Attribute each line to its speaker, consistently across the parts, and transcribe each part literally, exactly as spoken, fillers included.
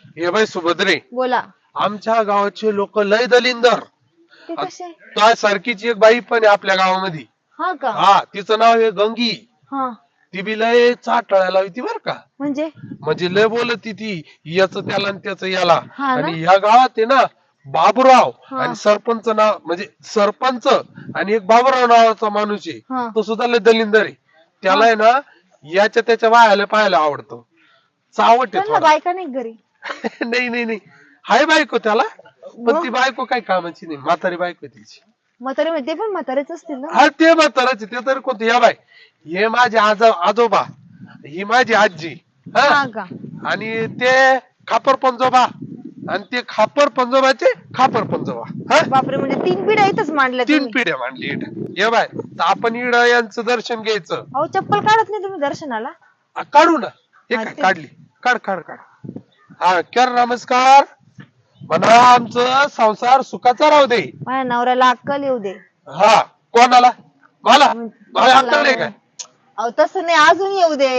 Speaker 1: हे बाई सुभद्रे,
Speaker 2: बोला.
Speaker 1: आमच्या गावाचे लोक लय दलिंदर.
Speaker 2: ते कसे?
Speaker 1: त्या सारखीची एक बाई पण आहे आपल्या गावामध्ये.
Speaker 2: हा का?
Speaker 1: हा, तिचं नाव आहे गंगी.
Speaker 2: हा
Speaker 1: ती बी लय चाटाळ्याला होती बर का.
Speaker 2: म्हणजे
Speaker 1: म्हणजे लय बोलती ती, याच त्याला आणि त्याच याला.
Speaker 2: हा ना?
Speaker 1: आणि ह्या गावात आहे ना बाबूराव
Speaker 2: हा.
Speaker 1: आणि सरपंच नाव, म्हणजे सरपंच आणि एक बाबूराव नावाचा माणूस आहे,
Speaker 2: हा.
Speaker 1: तो सुद्धा लय दलिंदर आहे. त्याला आहे ना याच्या त्याच्या बायाला पाहायला आवडतो. चावट आहे
Speaker 2: त्यांना
Speaker 1: थोडा.
Speaker 2: बायका नाही घरी?
Speaker 1: नाही नाही नाही, हाय बायको त्याला, पण
Speaker 2: मग?
Speaker 1: ती बायको काय कामाची नाही, म्हातारी बायको आहे तिची.
Speaker 2: म्हातारे म्हणजे ते पण म्हातारेच असतील ना?
Speaker 1: हा, ते म्हाताराचे ते तरी कोणते. या बाय, हे माझे आज आजोबा, ही माझी आजी. हा,
Speaker 2: हा का?
Speaker 1: आणि ते खापर पंजोबा, आणि ते खापर पंजोबाचे खापर पंजोबा. हा,
Speaker 2: बापरे, म्हणजे तीन पिढ्या इथंच मांडल्या
Speaker 1: तीन
Speaker 2: तुम्ही.
Speaker 1: पिढ्या मांडली इथं. ये बाय, तर आपण इड यांचं दर्शन घ्यायचं.
Speaker 2: अहो चप्पल काढत नाही तुम्ही दर्शनाला?
Speaker 1: आ, काढू ना. हे
Speaker 2: हा,
Speaker 1: काय
Speaker 2: ते-
Speaker 1: काढली, काढ काढ काढ. हा, कर नमस्कार म्हणा, आमचं संसार सुखाचा राहू दे.
Speaker 2: माझ्या नवऱ्याला अक्कल येऊ दे.
Speaker 1: हा, कोणाला? मला
Speaker 2: मग
Speaker 1: मला अक्कल नाही काय?
Speaker 2: अहो तसं नाही, अजून येऊ दे.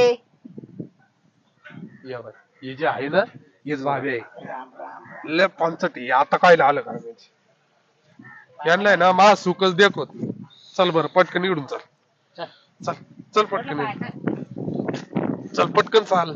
Speaker 1: या बाय, हे जे आहे ना, हेच भाभी आहे. लय पंचटी आता काय आलं का म्हणजे. यांना आहे ना मा सुखच देखोत. चल बर, पटकन इकडून चल. चल चल पटकन इकडून. चल पटकन चाल.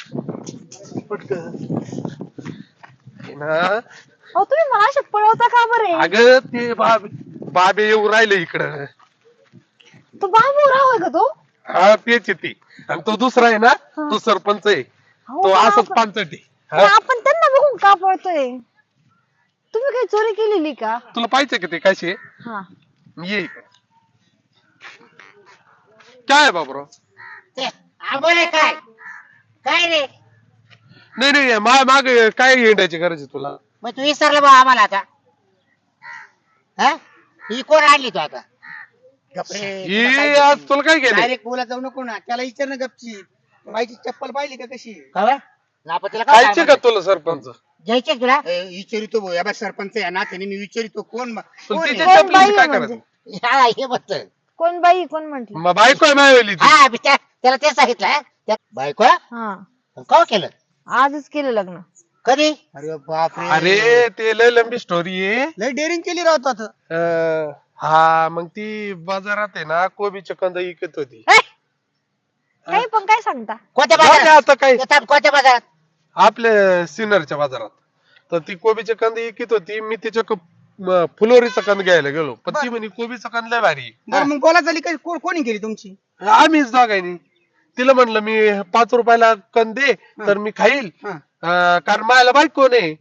Speaker 1: पटकन हे ना.
Speaker 2: अहो तुम्ही मला अशा पळवता का बरे?
Speaker 1: अगं ते बाबे बाबे येऊ राहिले इकडं.
Speaker 2: तो बाबू राव आहे का तो?
Speaker 1: हा, तेच आहे ते. आणि तो दुसरा आहे ना, तो सरपंच आहे.
Speaker 2: अहो,
Speaker 1: तो
Speaker 2: पण
Speaker 1: असंच
Speaker 2: आपण-
Speaker 1: पांचटी.
Speaker 2: पण आपण त्यांना बघून का पळतोय? तुम्ही काही चोरी केलेली का?
Speaker 1: तुला पाहिजे का ते कसे?
Speaker 2: हा.
Speaker 1: ये इकडं. काय आहे बाबूराव?
Speaker 3: ते आंबोले काय काय रे?
Speaker 1: नाही नाही, मा माग काय येण्याची गरज आहे तुला?
Speaker 3: मग तू विसरला बा आम्हाला आता. हा, ही कोण आणली तू आता?
Speaker 1: ही आज तुला काय केलं?
Speaker 4: डायरेक्ट बोला जाऊ नको ना, त्याला विचार ना गपची. बाईची चप्पल पाहिली का कशी?
Speaker 3: का बरं? ना आपण तिला काय
Speaker 1: खायचे का तुला सरपंच?
Speaker 3: घ्यायचे तुला?
Speaker 4: ए, विचारितो भाऊ, या बा सरपंच या नात्याने मी विचारितो कोण
Speaker 1: पण
Speaker 4: कोण आहे?
Speaker 1: तिच्या
Speaker 2: कोण
Speaker 1: चपलीचं
Speaker 2: बाई
Speaker 1: काय
Speaker 2: म्हणजे?
Speaker 1: करायचं?
Speaker 3: हा, हे बघ.
Speaker 2: कोण बाई कोण म्हंटल?
Speaker 1: मग बायको आहे मायवली ती.
Speaker 3: हा, मी त्या- त्याला तेच सांगितलं. हा? त्या- बायको
Speaker 2: हा,
Speaker 3: का केलं?
Speaker 2: आजच केलं लग्न.
Speaker 3: कधी?
Speaker 4: अरे बापरे,
Speaker 1: अरे ते लय लंबी स्टोरी आहे.
Speaker 4: लय डेअरिंग केली राहतो आता.
Speaker 1: अं, हा, मग ती बाजारात आहे ना कोबीचे कंद विकत होती.
Speaker 2: ए! काही पण काय सांगता?
Speaker 3: कोणत्या
Speaker 1: जाऊ दे
Speaker 3: बाजारात?
Speaker 1: आता काय,
Speaker 3: ते थांब, कोणत्या बाजारात?
Speaker 1: आपल्या सिनरच्या बाजारात. तर ती कोबीचे कंद विकत होती. मी तिच्या क- म- फुलोरीचा कंद घ्यायला गेलो, पण ती म्हणे कोबीचा कंद लय भारी आहे.
Speaker 4: बरं मग बोला झाली काय, को- कोणी केली तुमची?
Speaker 1: आम्हीच दोघांनी. तिला म्हणलं मी पाच रुपयाला कंद दे तर मी खाईल,
Speaker 4: हा.
Speaker 1: अं, कारण माझ्याला बायको नाही.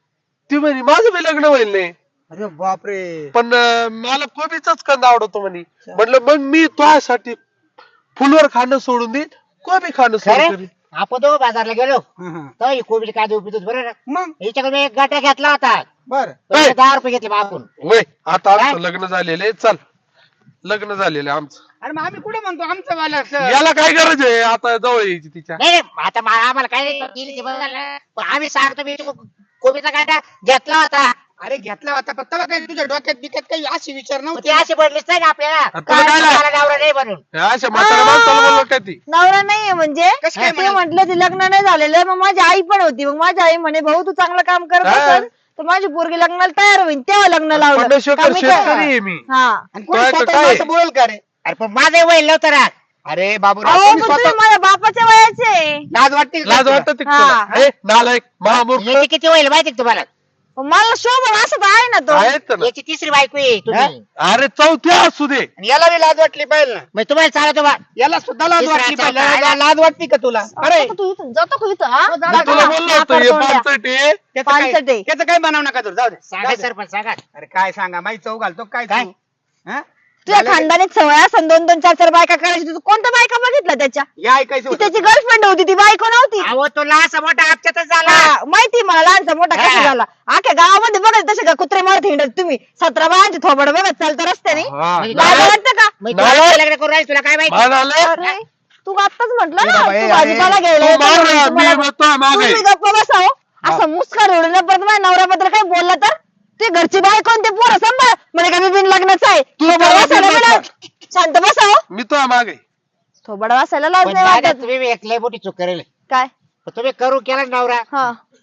Speaker 1: ती म्हणे माझं बी लग्न होईल नाही,
Speaker 4: अरे बापरे,
Speaker 1: पण अं, मला कोबीचाच कंद आवडतो म्हणे. म्हटलं मग मी तुझ्यासाठी फुलवर खाणं सोडून देईन, कोबी खाणं
Speaker 3: खरं?
Speaker 1: सोडून देईन.
Speaker 3: आपण दोघं बाजारला गेलो
Speaker 4: हा, हा.
Speaker 3: तर ही कोबीची काय उपयोग होती बरोबर ना?
Speaker 4: मग
Speaker 3: हिच्याकडे मी एक गाठा घेतला होता.
Speaker 4: बर
Speaker 3: तर दहा रुपये घेतले बापून.
Speaker 1: वय आता आमचं
Speaker 3: काय?
Speaker 1: लग्न झालेलं आहे, चल लग्न झालेलं आहे आमचं.
Speaker 4: अरे मग आम्ही कुठे म्हणतो आमचं वाला
Speaker 1: याला काय गरज आहे आता जवळ यायची तिच्या?
Speaker 3: नाही नाही, आता मा- आम्हाला काय नाही दिली ती बरोबर ना. पण आम्ही सांगतो मी तो कोबीचा गाठा घेतला होता.
Speaker 4: अरे घेतला होता पण तेव्हा काय तुझ्या डोक्यात बिक्यात काही अशी विचार
Speaker 3: पण
Speaker 4: नव्हते
Speaker 3: ती अशी पडलीच नाही ना आपल्याला.
Speaker 1: तुला काय लागलं?
Speaker 3: मला नवरा नाही म्हणून.
Speaker 1: हे अशा म्हाताऱ्या माणसाला बोललो काय ती?
Speaker 2: नवरा नाहीये म्हणजे?
Speaker 4: कसं काय
Speaker 2: ते
Speaker 4: म्हणाल?
Speaker 2: म्हंटल ते लग्न नाही झालेलं. मग माझी आई पण होती. मग माझी आई म्हणे भाऊ तू चांगलं काम करत
Speaker 1: हा.
Speaker 2: असेल तर माझी पोरगी लग्नाला तयार होईल, तेव्हा लग्न लावलं.
Speaker 1: पन्नास
Speaker 2: का
Speaker 1: एकर
Speaker 2: मी
Speaker 1: शेतकरी
Speaker 2: काय-
Speaker 1: आहे मी.
Speaker 2: हा.
Speaker 4: आणि कोणी
Speaker 1: काय-
Speaker 4: स्वतः
Speaker 1: काय?
Speaker 4: असं बोल का रे?
Speaker 3: अरे पण माझं वय नव्हतं ना.
Speaker 4: अरे बाबू
Speaker 2: अहो पण तुम्ही माझ्या बापाच्या वयाचे.
Speaker 4: लाज वाटते का
Speaker 1: लाज
Speaker 4: तुला?
Speaker 1: वाटत
Speaker 2: हा.
Speaker 1: नालायक महामूर्ख
Speaker 3: याची किती वय माहिती का तुम्हाला?
Speaker 2: मला शोभन असं तर आहे ना तो.
Speaker 1: आहेत ना.
Speaker 3: याची तिसरी बायको आहे तुम्ही.
Speaker 1: अरे चौथ्या असू दे.
Speaker 4: आणि याला बी लाज वाटली पाहिजे ना,
Speaker 3: मग तुम्हाला चालतो बा.
Speaker 4: याला सुद्धा लाज
Speaker 3: तिसरा
Speaker 4: वाटली पाहिजे.
Speaker 3: चौथा
Speaker 4: ला- लाज वाटते का तुला? अरे
Speaker 2: जातो तू इथून जातो का इथं हा?
Speaker 4: जा-
Speaker 1: मी
Speaker 4: जा-
Speaker 1: तुला
Speaker 4: जा.
Speaker 1: बोललो होतो हे पाचट आहे.
Speaker 4: त्याचं काय
Speaker 2: पानसट आहे.
Speaker 4: त्याचं काय बनाव नका तुला, जाऊ दे
Speaker 3: सांगा
Speaker 4: जाऊ दे.
Speaker 3: सरपंच सांगा.
Speaker 4: अरे काय सांगा माही चौ घालतो काय
Speaker 3: काय?
Speaker 4: तू? हा?
Speaker 2: तुझ्या
Speaker 4: झालं
Speaker 2: खानदानीत सवय असं दोन दोन चार चार बायका करायची. तू कोणत्या बायका बघितल्या त्याच्या?
Speaker 4: की- या ऐकायचं
Speaker 2: ती
Speaker 4: होतं.
Speaker 2: त्याची गर्लफ्रेंड होती, ती बायको नव्हती.
Speaker 3: अहो तो लासा मोठा आपच्यातच झाला.
Speaker 2: हा, माहिती मला लहानसा मोठा कसा
Speaker 3: हा.
Speaker 2: झाला. आख्या गावामध्ये बघत तसे का कुत्रे मारत हिंडत तुम्ही सतरा बायांचे थोबड बघत चालता रस्त्याने.
Speaker 1: हा.
Speaker 3: म्हणजे
Speaker 2: लाज
Speaker 3: काय?
Speaker 2: वाटतं का?
Speaker 3: मग तू आता लग्न करून राहील तुला काय माहिती?
Speaker 1: म्हणाले
Speaker 2: अरे तू आत्ताच म्हटलं
Speaker 4: ए
Speaker 2: ना
Speaker 4: बाबा,
Speaker 2: तू
Speaker 4: ए,
Speaker 2: भाजीपाला
Speaker 4: अरे,
Speaker 2: घ्यायला
Speaker 1: तू
Speaker 2: येतो
Speaker 1: मार
Speaker 2: म्हणून
Speaker 1: ना,
Speaker 2: तुम्हाला-
Speaker 1: मी म्हणतो मागे.
Speaker 2: तुम्ही गप्प बसाव. असं मुस्कान उडलं परत माझ्या नवऱ्याबद्दल काही बोलला तर ते घरची बाय कोणते पोरं सांभाळ म्हणे का मी बिन लग्नाचं आहे.
Speaker 1: तू
Speaker 2: थोबड
Speaker 1: त्याला
Speaker 2: वासायला
Speaker 1: बिन
Speaker 2: बिना-
Speaker 1: लग्न-
Speaker 2: शांत बसाव.
Speaker 1: मी तो मागे.
Speaker 2: थोबड वासायला लाज
Speaker 3: पण
Speaker 2: नाही
Speaker 3: दादा,
Speaker 2: वाटत.
Speaker 3: तुम्ही एक लय मोठी चूक करेल.
Speaker 2: काय?
Speaker 3: पण तुम्ही करू केला ना नवरा.
Speaker 2: हा.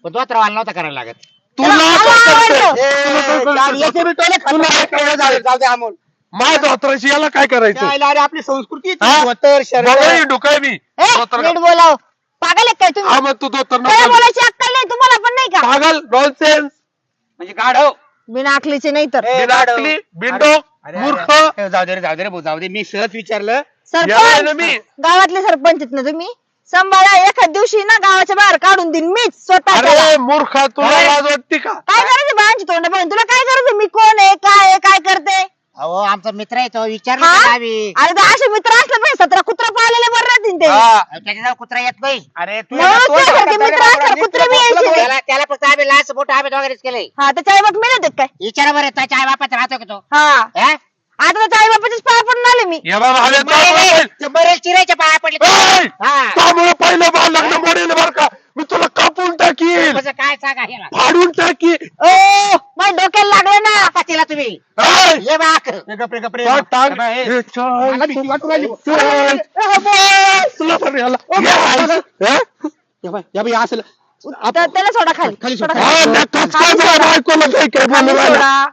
Speaker 3: पण तो त्रावाला नव्हता करायला लागत.
Speaker 1: तुला
Speaker 2: मला
Speaker 1: काय
Speaker 2: आवडलं.
Speaker 1: करते?
Speaker 4: याचे बी टोले खाल्ले. जाऊ दे, जाऊ दे अमोल.
Speaker 1: माझ्या धोत्राशी याला काय करायचं
Speaker 4: त्याला अरे आपली संस्कृती आहे ती.
Speaker 1: हा?
Speaker 4: धोतर शर्ट
Speaker 1: बघा डुकाय मी
Speaker 2: ए,
Speaker 1: धोतर
Speaker 2: नीट बोलाव. पागल आहे काय तुम्ही?
Speaker 1: हा मग तू धोतर
Speaker 2: काय
Speaker 1: नको
Speaker 2: बोलायची अक्कल नाही तुम्हाला पण नाही का?
Speaker 1: पागल नॉनसेन्स
Speaker 4: म्हणजे गाढव.
Speaker 2: बिना अकलीचे नाही तर.
Speaker 4: ए,
Speaker 1: बिनाकली बिंडो
Speaker 4: अरे,
Speaker 1: मूर्ख
Speaker 4: अरे, ए, जाऊ दे रे, जाऊ दे रे भाऊ, जाऊ दे. मी सहज विचारलं.
Speaker 1: याला आहे ना
Speaker 2: सरपंच
Speaker 1: मी
Speaker 2: गावातले सरपंच आहेत ना तुम्ही? सांभाळा, एखाद दिवशी ना गावाच्या बाहेर काढून देईन मीच स्वतः त्याला.
Speaker 1: अरे मूर्खा तुला
Speaker 4: अरे.
Speaker 1: लाज वाटते का
Speaker 2: काय करायचं बाळांची तोंड पाहून? तुला काय करायचं? मी कोण आहे, काय आहे, काय करते?
Speaker 3: अहो आमचा मित्र आहे तो, विचारलं
Speaker 2: हा?
Speaker 3: का आम्ही.
Speaker 2: अरे तर असे मित्र असले पाहिजे, सतरा कुत्रा पाळलेले बरं राहतील ते.
Speaker 4: हा.
Speaker 3: अहो, त्याच्याजवळ कुत्रा येत नाही.
Speaker 4: अरे तू
Speaker 2: म्हणून
Speaker 4: तो
Speaker 2: तुझ्यासारखे
Speaker 4: सारखा
Speaker 2: मित्र
Speaker 4: जरा
Speaker 2: असतात,
Speaker 4: बाबा,
Speaker 2: कुत्रे बी
Speaker 4: नीट
Speaker 2: यायचे.
Speaker 4: तुला
Speaker 3: त्याला त्याला फक्त आम्ही लहान मोठं आम्ही दोघांनीच केलंय.
Speaker 2: हा, त्याच्या आई बाप मिळत काय?
Speaker 3: विचारा बरं त्याच्या आई बापात राहतो का तो?
Speaker 2: हा,
Speaker 3: हा?
Speaker 2: आता त्याच्या आई बापाच्याच पाया पडून आले मी.
Speaker 1: या बाबा आले
Speaker 3: बरेल ते बरेल चिरायच्या पाया पडले
Speaker 1: ए!
Speaker 3: हा.
Speaker 1: त्यामुळे पहिलं बाळ लग्न मोडेल बर का मी तुला कापून टाकील
Speaker 3: कसं काय सांगा ह्याला.
Speaker 1: फाडून टाकील
Speaker 2: ओ माझ्या डोक्याला लागले ना.
Speaker 3: बापा तिला तुम्ही
Speaker 1: ए!
Speaker 3: ये बाक.
Speaker 4: ए, गपरे गपरे
Speaker 1: टाक, टाक.
Speaker 4: बाबा, ए,
Speaker 1: ए, चल.
Speaker 4: मला भीती वाटू राहिली.
Speaker 1: चल. तुला पण याला हे?
Speaker 4: या बाई, या बाई, असं
Speaker 2: तर त्याला सोडा खाली.
Speaker 4: खाली
Speaker 2: सोडा
Speaker 4: सोडा.
Speaker 1: हा,
Speaker 2: खाली.
Speaker 1: नकाच काय बाबा, बायकोला काय काय
Speaker 2: खाली
Speaker 1: बोलू राहिला?
Speaker 2: सोडा.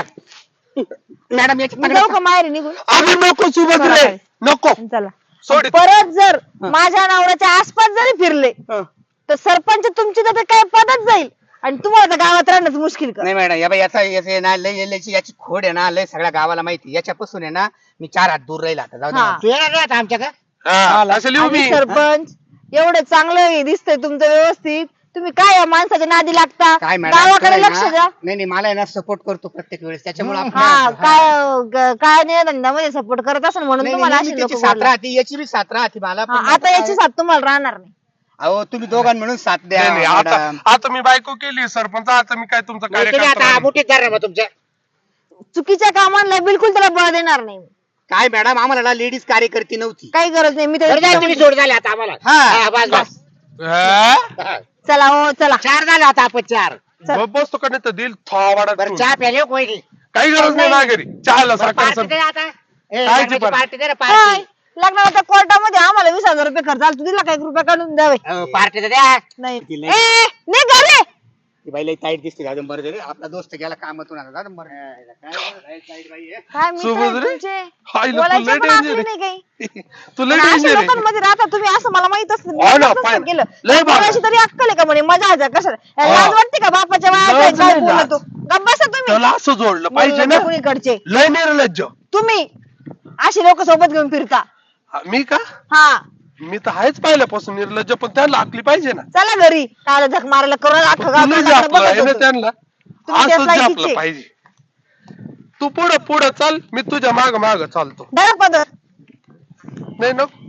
Speaker 4: मॅडम याची
Speaker 2: मी जाऊ का माहेरी निघून?
Speaker 1: अगं नको सुभद्रे नको
Speaker 2: चला.
Speaker 1: सोड
Speaker 2: परत जर माझ्या नवऱ्याच्या आसपास जरी फिरले
Speaker 4: हा.
Speaker 2: तर सरपंच तुमची तर काय पदच जाईल आणि तुम्हाला तर गावात राहणंच मुश्किल कर.
Speaker 4: नाही मॅडम या बाई याचा याचे ना लय याची याची खोड आहे ना लय सगळ्या गावाला माहिती. याच्यापासून आहे ना मी चार हात दूर राहील आता. जाऊ दे
Speaker 2: हा.
Speaker 4: मला.
Speaker 3: तू येणार नाही आता आमच्या का?
Speaker 1: हा, असं लिहू
Speaker 2: आणि
Speaker 1: मी
Speaker 2: सरपंच एवढं चांगलं हे दिसतंय तुमचं व्यवस्थित, तुम्ही काय या माणसाच्या नादी लागता?
Speaker 4: काय मॅडम
Speaker 2: गावाकडे
Speaker 4: काय
Speaker 2: लक्ष
Speaker 4: ना-
Speaker 2: द्या.
Speaker 4: नाही नाही मला आहे ना सपोर्ट करतो प्रत्येक वेळेस त्याच्यामुळे आपण-
Speaker 2: हा काय ग- काय नाही धंद्यामध्ये सपोर्ट करत असेल म्हणून
Speaker 4: नाही,
Speaker 2: तुम्हाला
Speaker 4: नाही,
Speaker 2: अशी
Speaker 4: मी
Speaker 2: लोक
Speaker 4: त्याची सात राहते याची बी सात राहते मला पण
Speaker 2: आता याची साथ तुम्हाला राहणार नाही.
Speaker 4: अहो तुम्ही दोघां मिळून साथ द्या
Speaker 1: नाही, नाही, आता
Speaker 4: मॅडम.
Speaker 1: आता मी बायको केली सरपंच आता मी काय तुमचा
Speaker 3: नाही, तुम्ही आता
Speaker 1: कार्यकर्ता
Speaker 3: मुठीत धरा मग तुमच्या.
Speaker 2: चुकीच्या कामांना बिलकुल त्याला बळ देणार नाही.
Speaker 4: काय मॅडम आम्हाला ना लेडीज कार्यकर्ती नव्हती.
Speaker 2: काही गरज नाही. मी
Speaker 3: बरं झालं तुम्ही
Speaker 2: तर
Speaker 3: सोड झाले आता आम्हाला.
Speaker 4: हा.
Speaker 3: हा, बस बस. हा.
Speaker 2: चला हो चला.
Speaker 3: चार झाले आता आपण चार.
Speaker 2: चल.
Speaker 1: बसतो का नाही तर दिल थोडा
Speaker 3: बरं चहा प्याले हो कोणी.
Speaker 1: काही गरज नाही
Speaker 2: नाही.
Speaker 1: ना घरी चहाला साखर
Speaker 3: पार्टी
Speaker 1: सर
Speaker 3: दे आता. ए,
Speaker 1: काय ती
Speaker 3: लग्नाची
Speaker 1: पार्टी?
Speaker 3: पार्टी दे ना
Speaker 2: होय,
Speaker 3: पार्टी.
Speaker 2: लग्नाच्या कोर्टामध्ये आम्हाला वीस हजार रुपये खर्च आला, तू दिला काय रुपये काढून द्यावे?
Speaker 3: अहो, पार्टी तर द्या.
Speaker 2: नाही
Speaker 4: ती लई-
Speaker 2: ए, निघ घाले.
Speaker 4: ती बाई लई ताईट दिसते जाऊ दे बरं झालं. आपला दोस्त गेला कामातून आला जाऊ दे बरं. काय ताईट ताईट बाई आहे.
Speaker 2: काय मित्र आहेत
Speaker 1: सुभद्रे?
Speaker 2: तुमचे?
Speaker 1: हाय ना, तू
Speaker 2: बोलायचे
Speaker 1: लय
Speaker 2: पण
Speaker 1: danger
Speaker 2: असले
Speaker 1: आहे.
Speaker 2: नाही काही.
Speaker 1: तू लय
Speaker 2: पण अशा
Speaker 1: डेंजर आहे
Speaker 2: लोकांमध्ये राहता तुम्ही असं मला माहित असतं. मी
Speaker 1: हो ना,
Speaker 2: नसतं
Speaker 1: पाय ना.
Speaker 2: केलं.
Speaker 1: लय बाबा.
Speaker 2: कोणाशी तरी अक्कल आहे का म्हणे मजा आहे कशाला?
Speaker 1: हा.
Speaker 2: लाज वाटते का बापाच्या
Speaker 1: लाज
Speaker 2: वयात काय
Speaker 1: नाही
Speaker 2: बोलतो? गप्प बसा तुम्ही.
Speaker 1: त्याला असं जोडलं पाहिजे ना
Speaker 2: निर्लज्ज कुणीकडचे
Speaker 1: लय निर्लज्ज
Speaker 2: तुम्ही अशी लोक सोबत घेऊन फिरता.
Speaker 1: हा, मी का
Speaker 2: हा
Speaker 1: मी तर आहेच पहिल्यापासून निर्लज्ज पण त्याला आखली पाहिजे ना
Speaker 2: चला घरी. काय झक मारायला करून अख्खं गाव
Speaker 1: तुला
Speaker 2: तोंडाकडे
Speaker 1: झापलं आहे
Speaker 2: बघत
Speaker 1: ना
Speaker 2: होतं.
Speaker 1: त्यांना
Speaker 2: तुम्ही त्याच
Speaker 1: असंच
Speaker 2: लायकीचे.
Speaker 1: झापलं पाहिजे. तू पुढं पुढं चाल मी तुझ्या माग माग चालतो
Speaker 2: धरा पदर.
Speaker 1: नाही नको